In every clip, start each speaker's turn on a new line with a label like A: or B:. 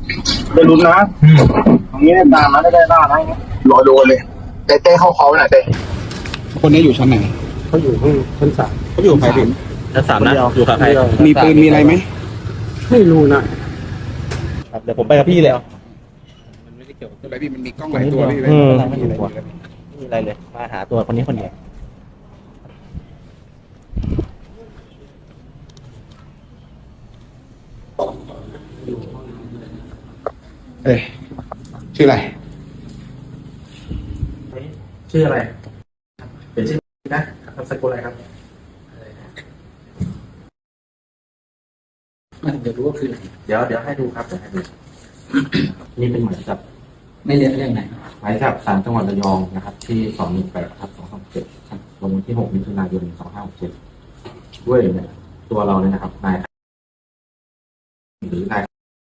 A: ได้ลุ้นนะตรงนี้ได้ตามนะได้บ้างนะรอดูเลยเต้เข้าเขาหน่อยเต้คนนี้อยู่ชั้นไหน
B: เขาอยู่ห้องชั้นสาม
A: เขาอยู่กับใครพี่
C: ชั้นสามนะอยู่กับใคร
A: มีปืนมีอะไรไหม
B: ไม่รู้นะครับ
C: เดี๋ยวผมไปกับพี่เลย
A: มันไม่ได้เกี่ยวกับอะไรพี่มันมีกล้องหลายตัวพี่
C: ไม่มีอะไรเลยมาหาตัวคนนี้คนเดียว
A: ชื่ออะไร
C: ชื่ออะไรเป็นชื่อนะนามสกุลอะไรครับ
B: เดี๋ยวรู้ว่าคืออะไร
C: เดี๋ยวให้ดูครับเดี๋ยวให้ดูนี่เป็นหมายจับ
B: ไม่เรียนเรื่องไหน
C: หมายจับศาลจังหวัดระยองนะครับที่218/227ลงวันที่6 มิถุนายน 2567ด้วยเนี่ยตัวเราเนี่ยนะครับนายหรือนาย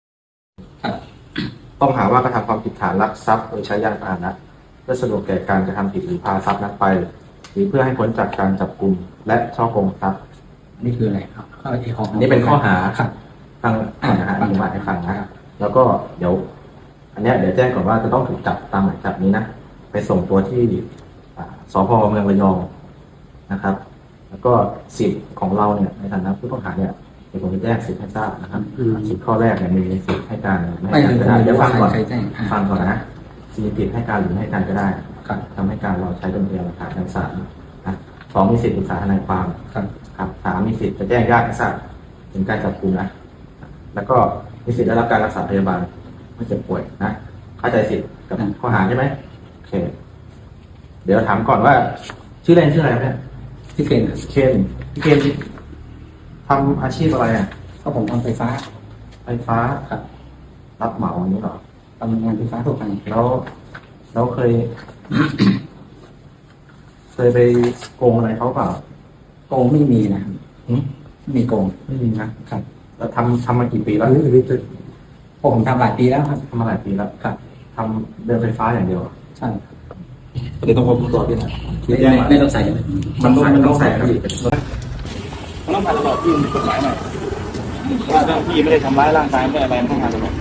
C: ต้องหาว่ากระทำความผิดฐานลักทรัพย์โดยใช้ยานพาหนะเพื่อสะดวกแก่การกระทำผิดหรือพาทรัพย์นั้นไปหรือเพื่อให้พ้นจากการจับกุมและช่อโกงทรัพย์
B: นี่คืออะไรครับ
C: อันนี้เป็นข้อหาฟังนะฮะอธิบายให้ฟังนะแล้วก็เดี๋ยวอันนี้เดี๋ยวแจ้งก่อนว่าจะต้องถูกจับตามหมายจับนี้นะไปส่งตัวที่สพ.เมืองระยองนะครับแล้วก็สิทธิ์ของเราเนี่ยในฐานะผู้ต้องหาเนี่ยเดี๋ยวผมจะแจ้งสิทธิ์ให้ทราบนะครับสิทธิ์ข้อแรกเนี่ยมีสิทธิ์ให้การไม่ให้การก็ได้เดี๋ยวฟังก่อนนะสิทธิ์ให้การหรือไม่ให้การก็ได้ทำให้การเราใช้เป็นพยานหลักฐานในศาลนะ2มีสิทธิ์ปรึกษาทนายความครับ3มีสิทธิ์จะแจ้งญาติให้ทราบถึงการจับกุมนะแล้วก็มีสิทธิ์ได้รับการรักษาพยาบาลไม่เจ็บป่วยนะเข้าใจสิทธิ์กับข้อหาใช่ไหมโอเคเดี๋ยวถามก่อนว่าชื่อเล่นชื่ออะไรเนี่ย
B: พี่เคน
C: พี่เคนทำอาชีพอะไรอ่ะ
B: ก็ผมทำไฟฟ้า
C: ครับรับเหมาอันนี้หรอ
B: ทำงานไฟฟ้าทั่วไป
C: แล้วเคย ไปโกงอะไรเขาเปล่า
B: โกงไม่มีนะไม่มีโกง
C: ไม่มีนะครับแล้วทำมากี่ปีแล้ว
B: ผมทำหลายปีแล้วครับ
C: ทำมาหลายปีแล้วครับทำเดินไฟฟ้าอย่างเดียว
B: ใช่
C: เดี๋ยวต้องพบตัวพี่นะ
B: ไม่ต้องใส่
C: มันต้องใส่ครับ
A: มันต้องผ่านตลอดที่มีกฎหมายหน่อยว่าพี่ไม่ได้ทำร้ายร่างกายไม่ได้อะไรต้องผ่านตลอด